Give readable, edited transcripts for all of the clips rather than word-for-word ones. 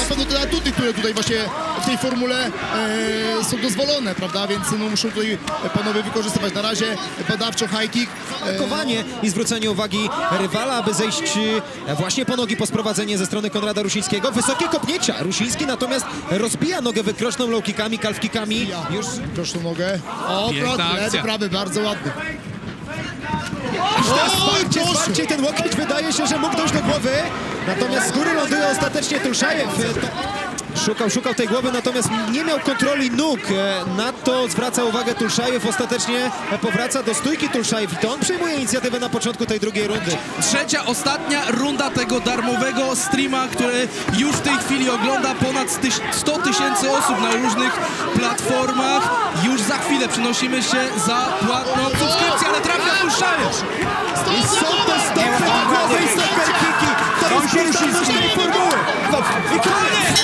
pewno te atuty, które tutaj właśnie w tej formule są dozwolone, prawda? Więc no, muszą tutaj panowie wykorzystywać. Na razie badawczo high kick. Blokowanie i zwrócenie uwagi rywala, aby zejść właśnie po nogi po sprowadzenie ze strony Konrada Rusińskiego. Wysokie kopnięcia. Rusiński natomiast rozbija nogę wykroczną low kickami, calf kickami. Już Proszę nogę. O, lewy, prawy, bardzo ładny. zwarcie i ten łokieć wydaje się, że mógł dojść do głowy. Natomiast z góry ląduje ostatecznie Tulszajew. Szukał tej głowy, natomiast nie miał kontroli nóg. Na to zwraca uwagę Tulszajew. Ostatecznie powraca do stójki Tulszajew i to on przejmuje inicjatywę na początku tej drugiej rundy. Trzecia, ostatnia runda tego darmowego streama, który już w tej chwili ogląda ponad 100 000 osób na różnych platformach. Już za chwilę przenosimy się za płatną subskrypcję, ale trafia Tulszajew. I są te stopy do głowy i super kiki. To jest brutalność tej formuły. I koniec!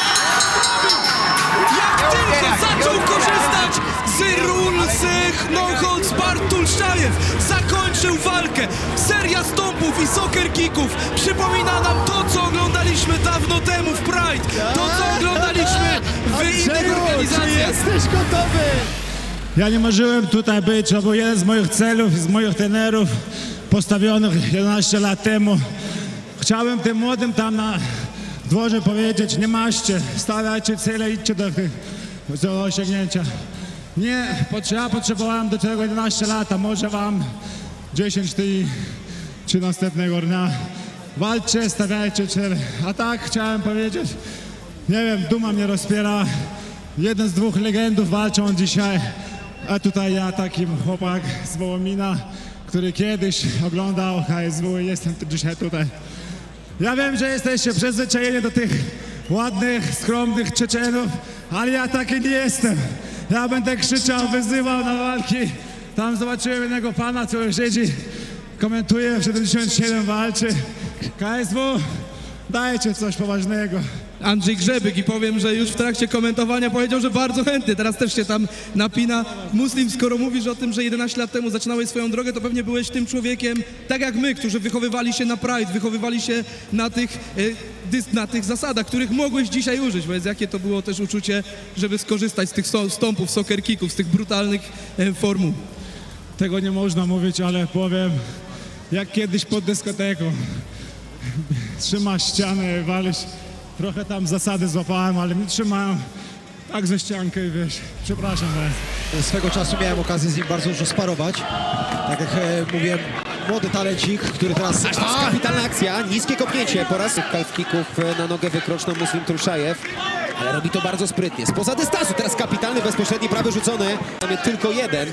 Jak tylko zaczął korzystać z rulsych no holds barred Tulszajew, zakończył walkę. Seria stompów i soccer kicków przypomina nam to, co oglądaliśmy dawno temu w Pride. To, co oglądaliśmy w innych organizacjach. Jesteś gotowy? Ja nie marzyłem tutaj być, to był jeden z moich celów, z moich trenerów postawionych 11 lat temu. Chciałem tym młodym tam na dworze powiedzieć, nie maście, stawiajcie cele, idźcie do osiągnięcia. Nie, ja potrzebowałem do tego 11 lat, a może wam 10 dni czy następnego dnia. Walczcie, stawiajcie cele. A tak chciałem powiedzieć, nie wiem, duma mnie rozpiera. Jeden z dwóch legendów walczą dzisiaj, a tutaj ja, taki chłopak z Wołomina, który kiedyś oglądał HSW i jestem dzisiaj tutaj. Ja wiem, że jesteście przyzwyczajeni do tych ładnych, skromnych Czeczenów, ale ja taki nie jestem. Ja będę krzyczał, wyzywał na walki. Tam zobaczyłem jednego pana, który siedzi, komentuje, w 77 walczy. KSW, dajcie coś poważnego. Andrzej Grzebyk i powiem, że już w trakcie komentowania powiedział, że bardzo chętny. Teraz też się tam napina. Muslim, skoro mówisz o tym, że 11 lat temu zaczynałeś swoją drogę, to pewnie byłeś tym człowiekiem, tak jak my, którzy wychowywali się na Pride, wychowywali się na tych zasadach, których mogłeś dzisiaj użyć. Więc jakie to było też uczucie, żeby skorzystać z tych stompów, soccer kicków, z tych brutalnych formuł? Tego nie można mówić, ale powiem, jak kiedyś pod dyskoteką. Trzymasz ścianę, walisz. Trochę tam zasady złapałem, ale nie trzymałem tak ze ściankę i wiesz, przepraszam. Swego czasu miałem okazję z nim bardzo dużo sparować. Tak jak mówiłem, młody talencik, który teraz... Kapitalna akcja, niskie kopnięcie po raz calf kicków na nogę wykroczną Muslim Tulszajew. Ale robi to bardzo sprytnie. Spoza dystansu, teraz kapitalny, bezpośredni prawy rzucony. Tam jest tylko jeden.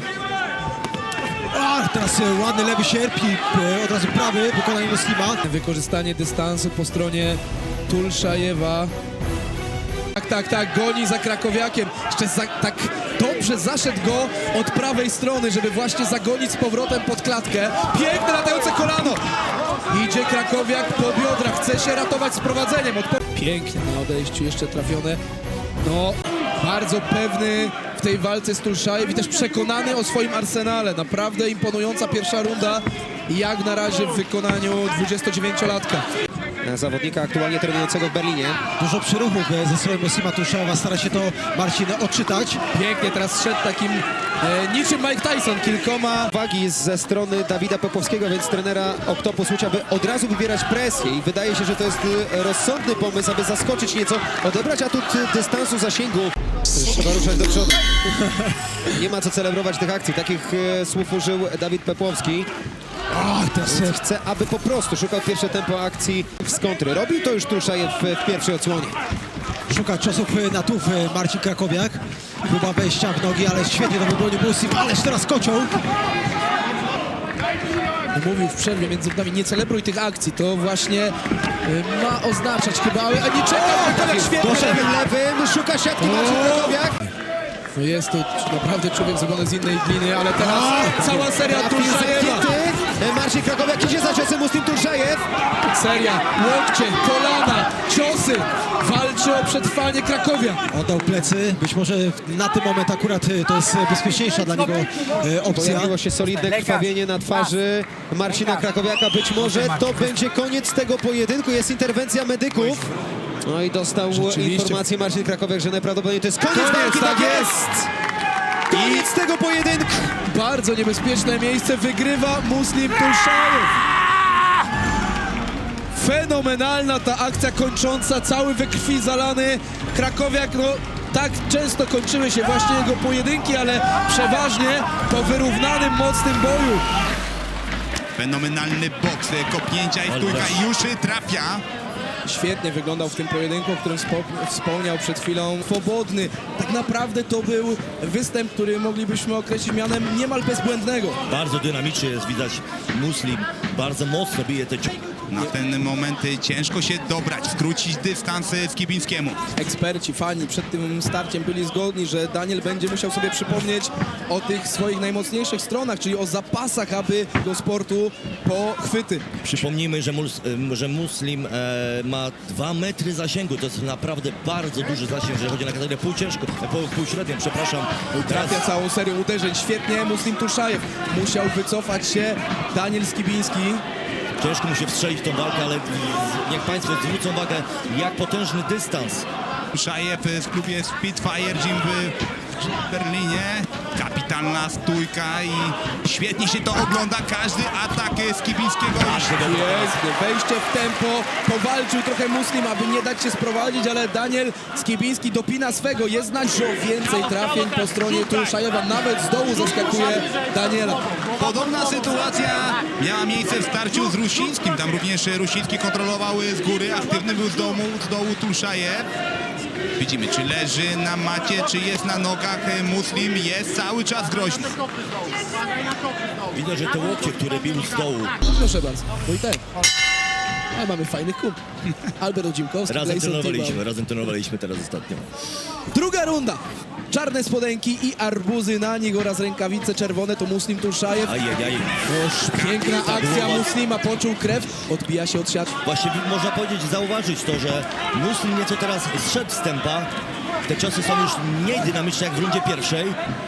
Teraz ładny lewy sierp i od razu prawy, wykonanie Muslima. Wykorzystanie dystansu po stronie Tulszajewa. Tak, goni za krakowiakiem. Jeszcze tak dobrze zaszedł go od prawej strony, żeby właśnie zagonić z powrotem pod klatkę. Piękne latające kolano. Idzie krakowiak po biodra, chce się ratować z prowadzeniem. Pięknie na odejściu, jeszcze trafione. No, bardzo pewny w tej walce z Tulszajew i też przekonany o swoim arsenale. Naprawdę imponująca pierwsza runda, jak na razie w wykonaniu 29-latka. Zawodnika aktualnie trenującego w Berlinie. Dużo przyruchów ze strony Muslima Tulszajewa, stara się to Marcin odczytać. Pięknie teraz szedł takim niczym Mike Tyson, kilkoma. Uwagi ze strony Dawida Pepłowskiego, więc trenera Octopus Łódź, aby od razu wybierać presję i wydaje się, że to jest rozsądny pomysł, aby zaskoczyć nieco, odebrać atut dystansu, zasięgu. Trzeba ruszać do przodu. Nie ma co celebrować tych akcji. Takich słów użył Dawid Pepłowski. Teraz chce, aby po prostu szukał pierwsze tempo akcji z kontry. Robił to już Tulszajew w pierwszej odsłonie. Szuka ciosów na tuf Marcin Krakowiak. Próba wejścia w nogi, ale świetnie to wybronił Muslim, ależ teraz kocioł. Mówił w przerwie między nami, nie celebruj tych akcji, to właśnie ma oznaczać chyba, ale nie czekał, Krakowiak świetnie. Lewym szuka siatki Marcin Krakowiak. No jest to naprawdę człowiek zrobiony z innej gliny, ale teraz cała seria Tulszajewa. Marcin Krakowiak idzie za ciosem Muslim Tulszajew. Seria, łokcie, kolana, ciosy. Walczy o przetrwanie Krakowia. Oddał plecy, być może na ten moment akurat to jest bezpieczniejsza dla niego opcja. Pojawiło się solidne krwawienie na twarzy Marcina Krakowiaka. Być może to będzie koniec tego pojedynku. Jest interwencja medyków. No i dostał Rzeczywiście. informację Marcin Krakowiak, że najprawdopodobniej to jest koniec Koniec, walki, tak jest! Koniec tego pojedynku! Bardzo niebezpieczne miejsce wygrywa Muslim Tulszajew. Fenomenalna ta akcja kończąca, cały we krwi zalany. Krakowiak, no tak często kończyły się właśnie jego pojedynki, ale przeważnie po wyrównanym, mocnym boju. Fenomenalny boks, kopnięcia i stójka i już trafia. Świetnie wyglądał w tym pojedynku, o którym wspomniał przed chwilą. Swobodny. Tak naprawdę to był występ, który moglibyśmy określić mianem niemal bezbłędnego. Bardzo dynamicznie jest widać Muslim, bardzo mocno bije te ciosy. Na ten moment ciężko się dobrać, skrócić dystans Skibińskiemu. Eksperci, fani przed tym starciem byli zgodni, że Daniel będzie musiał sobie przypomnieć o tych swoich najmocniejszych stronach, czyli o zapasach, aby do sportu po chwyty. Przypomnijmy, że Muslim ma 2 metry zasięgu, to jest naprawdę bardzo duży zasięg, jeżeli chodzi na kategorię półśrednią, przepraszam. Trafia całą serią uderzeń. Świetnie Muslim Tulszajew. Musiał wycofać się Daniel Skibiński. Ciężko mu się wstrzelić w tą walkę, ale niech Państwo zwrócą uwagę, jak potężny dystans. Szajew w klubie Spitfire Gym w Berlinie. Kapitalna stójka i świetnie się to ogląda. Każdy atak Skibińskiego. Pięknie, wejście w tempo, powalczył trochę Muslim, aby nie dać się sprowadzić, ale Daniel Skibiński dopina swego. Jest znać, że o więcej trafień po stronie Tulszajewa, nawet z dołu zaskakuje Daniela. Podobna sytuacja miała miejsce w starciu z Rusińskim. Tam również Rusiński kontrolował z góry, aktywny był z dołu Tulszajew. Widzimy, czy leży na macie, czy jest na nogach. Muslim jest cały czas groźny. Widać, że te łokcie, które bił z dołu, Proszę bardzo, Wojtek. A mamy fajnych kumpli. Albert Odzimkowski, razem trenowaliśmy teraz ostatnio. Druga runda. Czarne spodenki i arbuzy na nich oraz rękawice czerwone to Muslim Tulszajew. Ajajaj. Oż piękna akcja Muslima, poczuł krew, odbija się od siatki. Właśnie można powiedzieć, zauważyć to, że Muslim nieco teraz zszedł z tempa. Te ciosy są już mniej dynamiczne jak w rundzie pierwszej.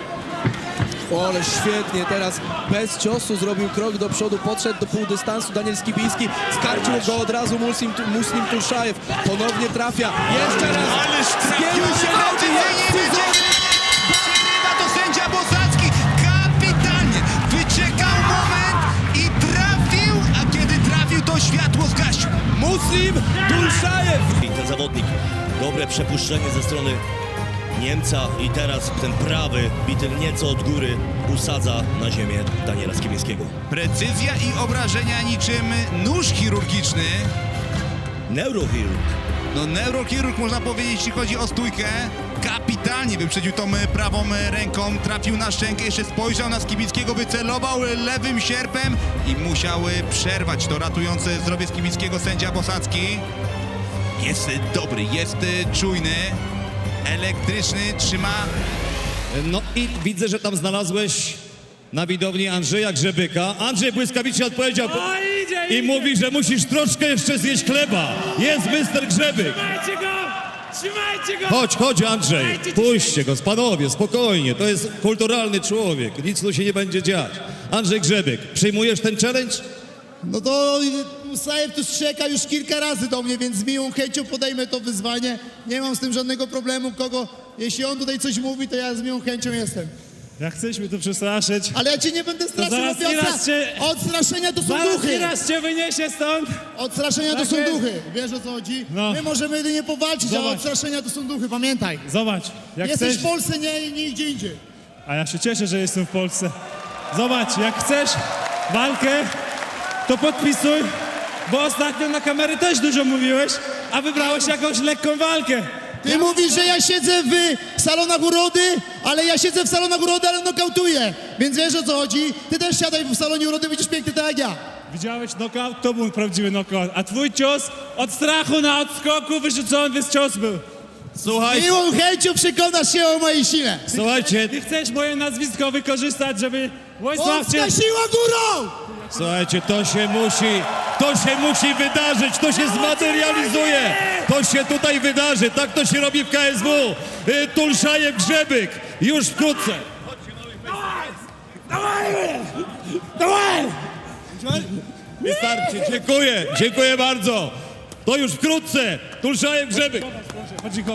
O, ale świetnie teraz bez ciosu zrobił krok do przodu, podszedł do półdystansu Daniel Skibiński, skarcił go od razu Muslim Tulszajew, ponownie trafia, jeszcze raz, Ależ zbiegł się nogi, jest Przegrywa to sędzia Bosacki. Kapitalnie. Wyczekał moment i trafił, a kiedy trafił, to światło zgasił. Muslim Tulszajew. I ten zawodnik, dobre przepuszczenie ze strony Niemca i teraz ten prawy, bity nieco od góry, usadza na ziemię Daniela Skibińskiego. Precyzja i obrażenia niczym nóż chirurgiczny. Neurochirurg. No neurochirurg można powiedzieć, jeśli chodzi o stójkę. Kapitalnie wyprzedził tą prawą ręką, trafił na szczękę, jeszcze spojrzał na Skibińskiego, wycelował lewym sierpem i musiał przerwać to ratujące zdrowie Skibińskiego sędzia Bosacki. Jest dobry, jest czujny, elektryczny, trzyma. No i widzę, że tam znalazłeś na widowni Andrzeja Grzebyka. Andrzej błyskawicznie odpowiedział i mówi, że musisz troszkę jeszcze zjeść chleba. Jest mister Grzebyk. Trzymajcie go! Chodź Andrzej, puśćcie go, panowie, spokojnie. To jest kulturalny człowiek, nic tu się nie będzie dziać. Andrzej Grzebyk, przyjmujesz ten challenge? No to Musajew tu strzeka już kilka razy do mnie, więc z miłą chęcią podejmę to wyzwanie. Nie mam z tym żadnego problemu, jeśli on tutaj coś mówi, to ja z miłą chęcią jestem. Jak chcesz mnie tu przestraszyć, Ale ja cię nie będę straszył, zaraz bo nieraz cię- odstraszenia to są zaraz duchy. nieraz cię wyniesie stąd. Odstraszenia to Tak są jest. duchy, wiesz o co chodzi? No. My możemy jedynie powalczyć, a Zobacz. odstraszenia to są duchy, pamiętaj. Zobacz, jak Jesteś chcesz, w Polsce, nie gdzie indziej. a ja się cieszę, że jestem w Polsce. Zobacz, jak chcesz walkę, to podpisuj, bo ostatnio na kamery też dużo mówiłeś, a wybrałeś jakąś lekką walkę. Ty mówisz, że ja siedzę w salonach urody, ale ja siedzę w salonach urody, ale nokautuję. Więc wiesz o co chodzi? Ty też siadaj w salonie urody, będziesz piękny tak jak ja. Widziałeś knockout? To był prawdziwy knockout. A twój cios od strachu na odskoku wyrzucony cios był. Słuchajcie, Miłą chęcią przekonasz się o mojej sile. słuchajcie, Ty chcesz moje nazwisko wykorzystać, żeby Wojsław cię... Polska siła górą! słuchajcie, to się musi wydarzyć, to się zmaterializuje, to się tutaj wydarzy, tak to się robi w KSW. Tulszajew Grzebyk, już wkrótce. Wystarczy, dziękuję bardzo. To już wkrótce. Tulszajew, Grzebyk.